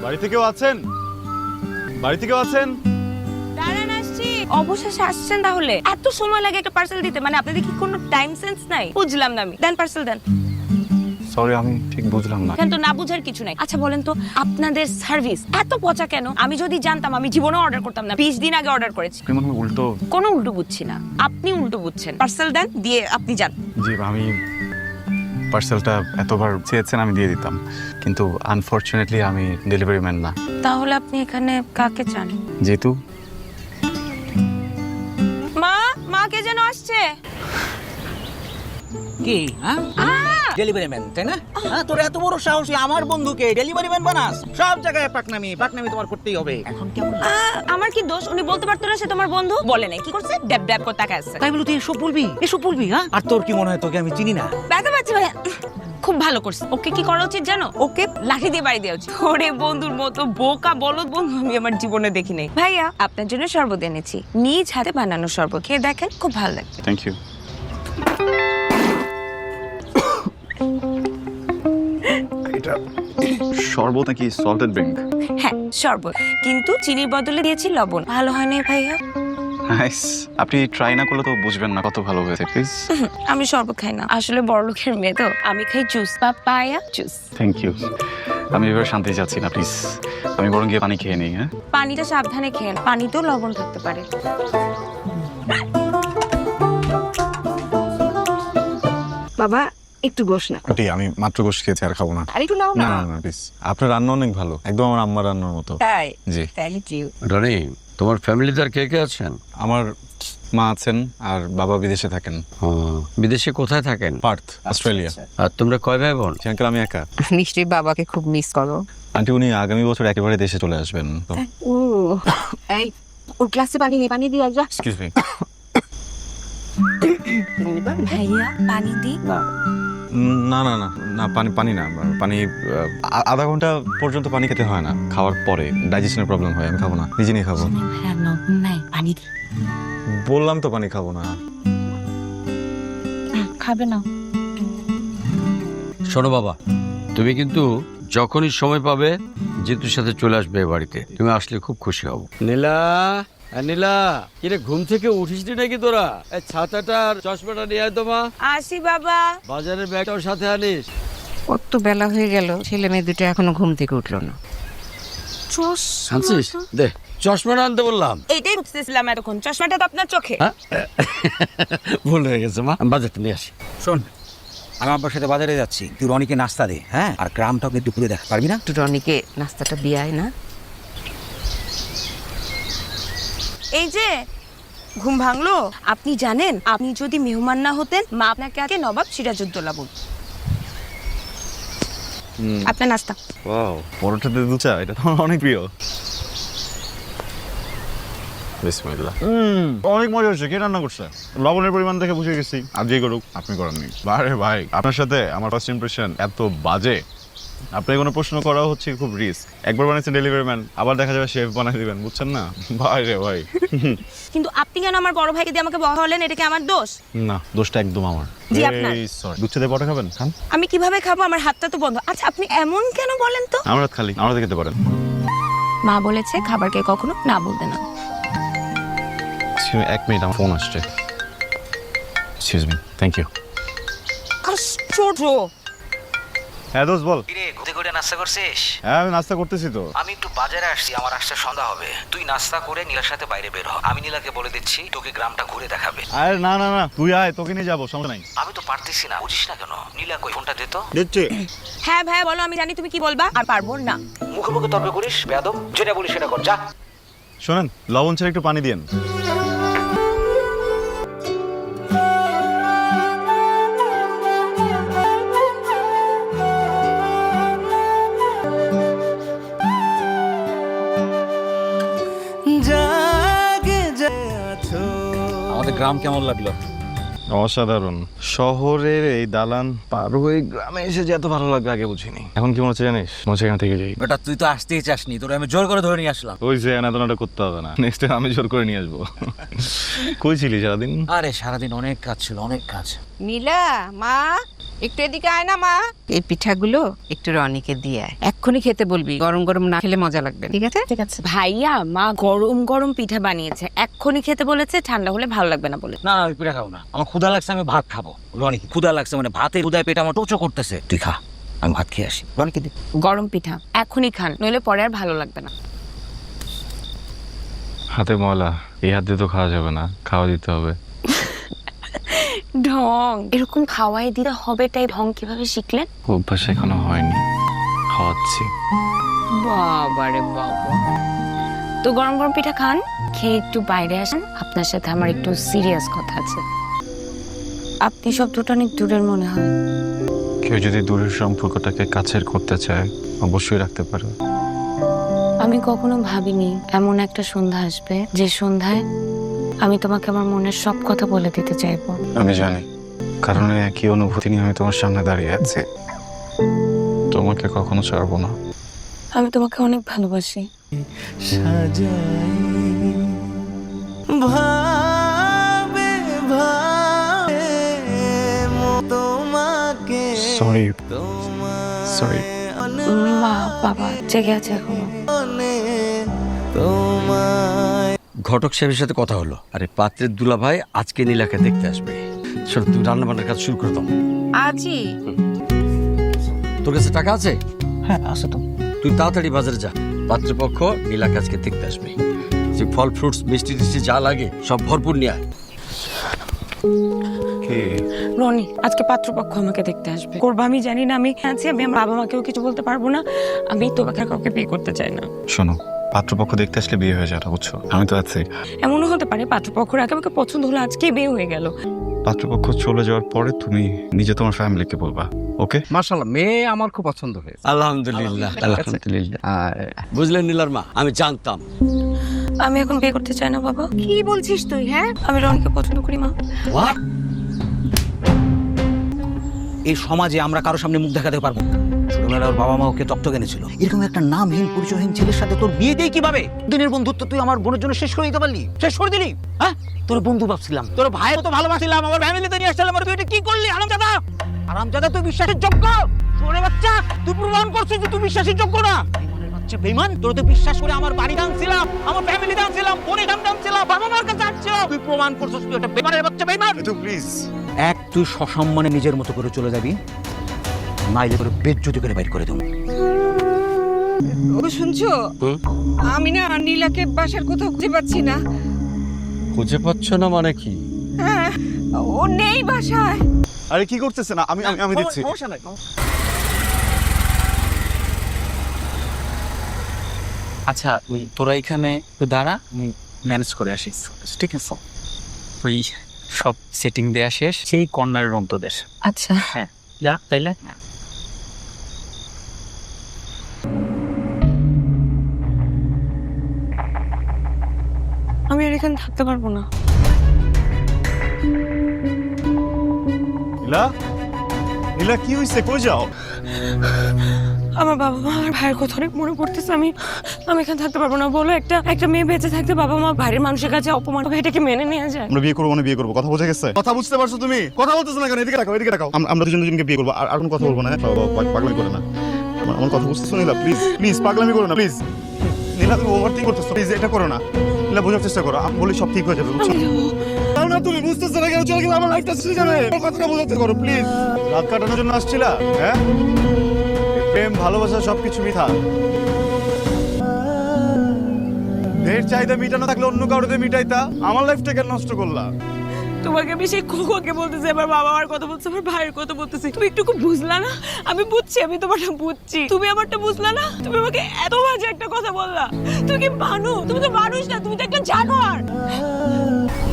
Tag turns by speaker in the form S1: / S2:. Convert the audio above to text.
S1: বাড়িতে কেউ আছেন? বাড়িতে কেউ আছেন?
S2: দাঁড়ান আসছি। অবশেষে আসছেন তাহলে? এত সময় লাগে একটা পার্সেল দিতে? মানে আপনাদের কি কোনো টাইম সেন্স নাই? বুঝলাম না আমি। দেন পার্সেল দেন।
S1: সরি, আমি ঠিক বুঝলাম না।
S2: কিন্তু না বুঝার কিছু নাই। আচ্ছা বলেন তো, আপনাদের সার্ভিস এত পচা কেন? আমি যদি জানতাম আমি জীবনেও অর্ডার করতাম না। 20 দিন আগে অর্ডার করেছি।
S1: কেমন উল্টো?
S2: কোনো উল্টো বুঝছি না, আপনি উল্টো বুঝছেন। পার্সেল দেন, দিয়ে আপনি যান।
S1: জি, আমি পার্সেলটা এতবার চেয়েছেন আমি দিয়ে দিতাম, কিন্তু আনফরচুনেটলি আমি ডেলিভারি ম্যান না।
S2: তাহলে আপনি এখানে কাকে চান?
S1: যেহেতু
S2: মা কে যেন আসছে।
S3: কি ডেলিভারি ম্যান তাই না? তোর এত বড় সাহসী আমার বন্ধুকে ডেলিভারি ম্যান বানাস? সব জায়গায় পাকনামি তোমার করতেই হবে। এখন কেমন?
S2: আমার কি দোষ? উনি বলতে পারতো না সে তোমার বন্ধু? বলে নাই, কি করছে? ড্যাব ড্যাব করে তাকায় আছে।
S3: তাই বলে তুই এসব বলবি? আর তোর কি মনে হয় তোকে আমি চিনি না?
S2: ব্যথা পাচ্ছি ভাইয়া। খুব ভালো করছে। ওকে কি করা উচিত জানো? ওকে লাঠি দিয়ে বাড়ি দেওয়া উচিত। ওরে বন্ধুর মতো বোকা বলদ বন্ধু আমি আমার জীবনে দেখি নাই। ভাইয়া, আপনার জন্য শরবত এনেছি, নিজ হাতে বানানো শরবত, খেয়ে দেখেন, খুব ভালো লাগবে।
S1: Thank you. এটা শরবত নাকি সল্টেড ড্রিঙ্ক?
S2: হ্যাঁ শরবত, কিন্তু চিনির বদলে দিয়েছি লবণ। ভালো হয়নি ভাইয়া?
S1: নাইস। আপনি ট্রাই না করলে তো বুঝবেন না কত ভালো হয়েছে। প্লিজ।
S2: আমি শরবত খাই না, আসলে বড়লোকের মেয়ে তো। আমি খাই juice, papaya juice.
S1: Thank you. আমি এবার শান্তি চাচ্ছি না, প্লিজ। আমি বরং গিয়ে পানি খেয়ে নিই। হ্যাঁ,
S2: পানিটা সাবধানে খেয়ে না, পানিতেও লবণ থাকতে পারে।
S4: বাবা একটু বস না।
S5: আন্টি, আমি মাত্র গোশ খেয়েছি, আর খাবো না।
S4: আর একটু নাও
S5: না
S4: না।
S5: না না প্লিজ, আপনার রান্না অনেক ভালো, একদম আমার আম্মার রান্নার মতো।
S4: তাই?
S5: জি।
S4: Thank you.
S6: রনি, তোমার ফ্যামিলিতে আর কে কে আছেন?
S5: আমার মা আছেন আর বাবা বিদেশে থাকেন।
S6: বিদেশে কোথায় থাকেন?
S5: পার্থ, অস্ট্রেলিয়া।
S6: আর তোমরা কয় ভাই বোন?
S5: আঙ্কেল আমি একা।
S4: নিশ্চয়ই বাবাকে খুব মিস করো।
S5: আন্টি, উনি আগামী বছর একেবারে দেশে চলে আসবেন তো।
S4: ও এই ওর গ্লাসে পানি দিয়ে যা।
S5: Excuse me.
S2: ভাইয়া পানি দি।
S5: না না না না, পানি না, পানি আধা ঘন্টা পর্যন্ত পানি খেতে হয় না, খাওয়ার পরে ডাইজেশনের প্রবলেম হয়। আমি খাবো না, নিজে নিয়ে খাবো।
S2: ভাইয়া লবণ নাই, পানি দি।
S5: বললাম তো পানি খাবো না।
S2: খাবে না?
S6: শোনো বাবা, তুমি কিন্তু যখনই সময় পাবে জিতুর সাথে চলে আসবে এ বাড়িতে। তুমি আসলে খুব খুশি হব। নীলা, নীলা, কিরে ঘুম থেকে উঠিস নি নাকি তোরা? এই ছাতাটা আর চশমাটা নিয়ে আয় তো মা।
S2: আসি বাবা।
S6: বাজারের ব্যাগটাও সাথে আনিস।
S4: কত বেলা হয়ে গেল, ছেলে মেয়ে দুটো এখনো ঘুম থেকে উঠলো না।
S6: আনছিস? দে চশমাটা আনতে বললাম।
S2: এইটাই খুঁজতেছিলাম এতক্ষণ, চশমাটা তো আপনার চোখে।
S6: হ্যাঁ? ভুল হয়ে গেছে মা, আমি বাজারটা নিয়ে আসি।
S3: শোন, আমি আব্বার সাথে বাজারে যাচ্ছি, তুই রনিকে নাস্তা দে। হ্যাঁ, আর গ্রামটাকে দুপুরে দেখ পারবি না?
S4: একটু রনিকে নাস্তাটা দিয়ে আয় না।
S2: এই যে ঘুম ভাঙলো? আপনি জানেন, আপনি যদি মেহমান না হতেন মা আপনাকে আগে নবাব সিরাজউদ্দৌলা বলত। আপনার নাস্তা।
S1: ওয়াও, পরোটাতে দুচা, এটা তো আমার অনেক প্রিয়। বিসমিল্লাহ। অনেক মজা হচ্ছে। কে রান্না করছে? লবণের পরিমাণ দেখে বুঝে গেছি, আর যে করুক আপনি করেননি। আরে ভাই, আপনার সাথে আমার ফার্স্ট ইমপ্রেশন এত বাজে। আপনার কোনো প্রশ্ন করা হচ্ছে খুব রিস্ক। একবার বানাইছেন ডেলিভারি ম্যান, আবার দেখা যাবে শেফ বানাই দিবেন, বুঝছেন না? ভাই রে ভাই।
S2: কিন্তু আপনি কেন আমার বড় ভাইকে দিয়ে আমাকে বহালেন? এটা কি আমার দোষ?
S1: না, দোষটা একদম আমার।
S2: জি, আপনার।
S1: সরি। দুধ দিয়ে পরোটা খাবেন? খান।
S2: আমি কিভাবে খাবো? আমার হাতটা তো বন্ধ। আচ্ছা আপনি এমন কেন বলেন তো?
S1: আমার হাত খালি, আমরা খেতে পারেন।
S2: মা বলেছে খাবারকে কখনো না বলতে না।
S1: এক মিনিট, আমার ফোন আসছে। Excuse me. Thank you.
S2: আশ্চর্য।
S1: হ্যাঁ দোস্ত বল।
S3: কিরে, ঘুরে ঘুরে নাস্তা করছিস?
S1: হ্যাঁ আমি নাস্তা করতেছি তো।
S3: আমি একটু বাজারে আসছি, আমার আসতে সন্ধ্যা হবে। তুই নাস্তা করে নীলার সাথে বাইরে বের হ। আমি নীলাকে বলে দিচ্ছি তোকে গ্রামটা ঘুরে দেখাবে।
S1: আরে না না না, তুই আয়, তোকে নিয়ে যাবো, সমস্যা নাই।
S3: আমি তো পারতেছি না, বুঝিস না কেন? নীলা কই, ফোনটা দে তো।
S1: দিচ্ছি।
S2: হ্যাঁ ভাইয়া বলো, আমি জানি তুমি কি বলবা। আর পারবো না।
S3: মুখে মুখে তর্ক করিস বেয়াদব, যেটা বলিস সেটা কর, যা।
S1: শোনেন, লবণ ছেড়ে একটু পানি দিয়েন।
S3: আমাদের গ্রাম কেমন লাগলো?
S5: অসাধারণ। শহরের এই দালান পার হয়ে গ্রামে এসে যে এত ভালো লাগবে আগে বুঝিনি। এখন কি মনে হচ্ছে জানিস? মনে হচ্ছে এখান থেকে যাই।
S3: বেটা তুই তো আসতেই চাসনি, তোর আমি জোর করে ধরে নিয়ে আসলাম।
S5: ওই যে এনাদনাটা করতে হবে না, নেক্সট টাইম আমি জোর করে নিয়ে আসবো। কই ছিলি সারাদিন?
S3: আরে সারাদিন অনেক কাজ ছিল, অনেক কাজ।
S4: নীলা মা একটু এদিকে আয় না মা। এই পিঠাগুলো একটু রনিকে দিয়ে আয়, এক্ষুনি খেতে বলবি, গরম গরম না খেলে মজা লাগবে, ঠিক আছে?
S2: ঠিক আছে ভাইয়া, মা গরম গরম পিঠা বানিয়েছে, এক্ষুনি খেতে বলেছে, ঠান্ডা হলে ভালো লাগবে না বলে।
S3: না আমি পিঠা খাবো না, আমার ক্ষুধা লাগছে, আমি ভাত খাবো। রনি ক্ষুধা লাগছে মানে ভাতের ক্ষুধায় পেট আমার টোচো করতেছে, তুই খা, আমি ভাত খেয়ে আসি। রনিকে দে।
S2: গরম পিঠা এখনই খান, নইলে পরে আর ভালো লাগবে না।
S5: হাতে ময়লা, এই হাত দিয়ে তো খাওয়া যাবে না, খাওয়া দিতে হবে।
S2: ঢং এরকম খাওয়াই দিতে হবে, তাই ঢং কিভাবে শিখলেন?
S5: অভ্যাস এখনো হয়নি, খাওয়াচ্ছি।
S2: বাবারে বাবা, তো গরম গরম পিঠা খান, খেয়ে একটু বাইরে আসেন, আপনার সাথে আমার একটু সিরিয়াস কথা আছে। আপনি শব্দটা অনেক দূরের মনে হয়।
S5: কেউ যদি দূরের সম্পর্কটাকে কাছের করতে চায় অবশ্যই রাখতে পারে।
S2: আমি কখনো ভাবিনি এমন একটা সন্ধ্যা আসবে, যে সন্ধ্যায় আমি তোমাকে আমার মনের সব কথা বলে দিতে চাইবো।
S5: আমি জানি, কারণ এই একই অনুভূতি নিয়ে আমি তোমার সামনে দাঁড়িয়ে আছি। তোমাকে কখনো ছাড়বো না।
S2: আমি তোমাকে অনেক ভালোবাসি।
S5: Sorry sorry.
S2: মা বাবা জেগে আছে এখনো।
S6: ঘটক সাহেবের সাথে কথা হলো, আরে পাত্রের দুলা ভাই আজকে নীলাকে দেখতে আসবে। শোন, তুই রান্না বান্নার কাজ শুরু করে দাও।
S4: আজই?
S6: তোর কাছে টাকা আছে?
S3: হ্যাঁ আসো তো।
S6: তুই তাড়াতাড়ি বাজারে যা, পাত্রপক্ষ নীলাকে আজকে দেখতে আসবে। যে ফল ফ্রুটস মিষ্টি টিষ্টি যা লাগে সব ভরপুর নিয়ে আয়।
S2: রনি, আজকে পাত্রপক্ষ আমাকে দেখতে আসবে। করবো আমি জানি না, আমি আছি, আমি আমার বাবা মাকেও কিছু বলতে পারবো না, আমি তোমাকে আর কাউকে বিয়ে করতে চাই না।
S5: শোনো, পাত্রপক্ষ দেখতে আসলে বিয়ে হয়ে যাবে, বুঝছো? আমি তো আছি।
S2: এমনও হতে পারে পাত্রপক্ষের আগে আমাকে পছন্দ হলো, আজকে বিয়ে হয়ে গেল।
S5: পাত্রপক্ষ চলে যাওয়ার পরে তুমি নিজে তোমার ফ্যামিলিকে বলবা, ওকে?
S7: মাশাআল্লাহ, মেয়ে আমার খুব পছন্দ হয়েছে।
S6: আলহামদুলিল্লাহ আলহামদুলিল্লাহ। বুঝলেন নীলার মা, আমি জানতাম।
S2: আমি এখন বিয়ে করতে চাই না বাবা।
S4: কি বলছিস তুই? হ্যাঁ,
S2: আমি রনিকে পছন্দ করি মা।
S3: এই সমাজে আমরা কারো সামনে মুখ দেখাতে পারবো না। ছোটবেলায় ওর বাবা মা ওকে দত্তক এনেছিল, এরকম একটা নামহীন পরিচয়হীন ছেলের সাথে তোর বিয়ে দিয়ে কিভাবে? দিনের বন্ধুত্ব তুই আমার বোনের জন্য শেষ করে দিতে পারলি, শেষ করে দিলি। হ্যাঁ, তোর বন্ধু ভাবছিলাম, তোর ভাইয়ের তো ভালোবাসছিলাম, আমার ফ্যামিলিতে নিয়ে আসছিলাম, আর তুই এটা কি করলি? হারামজাদা, হারামজাদা, তুই বিশ্বাসের যোগ্য? শোনে বাচ্চা, তুই প্রমাণ করছিস যে তুই বিশ্বাসের যোগ্য না। বেঈমানের বাচ্চা, বেঈমান। তোর তো বিশ্বাস করে আমার বাড়ি দানছিলাম, আমার ফ্যামিলি দানছিলাম, বোনের দানছিলাম, বাবা মার কাছে আসছো, তুই প্রমাণ করছিস তুই একটা বেঈমানের বাচ্চা, বেঈমান।
S5: প্লিজ
S3: এক, তুই সসম্মানে নিজের মতো করে চলে যাবি, নাইলে করে বেজ্জতি করে বাইর করে দেবো।
S4: ও শুনছো? আমি না নীলাকে বাসার কোথাও খুঁজে পাচ্ছি না।
S6: খুঁজে পাচ্ছ না মানে কি?
S4: হ্যাঁ, ও নেই বাসায়।
S1: আরে কি করতেছেন? আমি দিচ্ছি।
S7: আচ্ছা, তোরা এখানে তো দাঁড়া, আমি ম্যানেজ করে আসি, ঠিক আছে? ওই সব সেটিং দেয়া শেষ, সেই কর্নারের রুম তোদের।
S2: আচ্ছা
S7: হ্যাঁ, যা তাইলে।
S2: আমি আর এখানে থাকতে পারবো না।
S1: নীলা, নীলা কি হইছে? কই যাও?
S2: আমার বাবা মা আর ভাইয়ের কথা অনেক মনে পড়তেছে। আমি এখানে থাকতে পারবো না। বলো, একটা মেয়ে বেঁচে থাকতে বাবা মা বাইরের মানুষের কাছে অপমান হবে, এটাকে মেনে নেওয়া যায়?
S1: আমরা বিয়ে করবো মানে বিয়ে করবো, কথা বোঝা গেছে? কথা বুঝতে পারছো তুমি? কথা বলতেছো না কেন? এদিকে রাখো, এদিকে রাখো। আমরা দুজনকে বিয়ে করবো, আর কোনো কথা বলবো না। পাগলামি করে না, আমার কথা বুঝতেছো নীলা? প্লিজ প্লিজ পাগলামি করো না, প্লিজ। নীলা, তুমি ওভার থিঙ্ক করতেছো, প্লিজ এটা করো না। নীলা, বোঝার চেষ্টা করো, আমি বলি সব ঠিক হয়ে যাবে, বুঝছো? না, তুমি বুঝতেছো না কেন? চলে গেলে আমার লাইফটা শেষ হয়ে যাবে। কথাটা বোঝাতে করো প্লিজ। রাত কাটানোর জন্য আসছিলা? হ্যাঁ, প্রেম ভালোবাসা সবকিছু মিথ্যা। এর চাহিদা মিটানো থাকলে অন্য কারোতে মিটাইতা, আমার লাইফটা কেন নষ্ট করলা?
S2: তোমাকে আমি সেই খোকাকে বলতেছি, আমার বাবা মার কথা বলতেছি, আমার ভাইয়ের কথা বলতেছি, তুমি একটু বুঝলা না? আমি বুঝছি, আমি তোমারটা বুঝছি, তুমি আমারটা বুঝলা না? তুমি আমাকে এত বাজে একটা কথা বললা। তুমি কি মানুষ? তুমি তো মানুষ না, তুমি তো একটা জানোয়ার।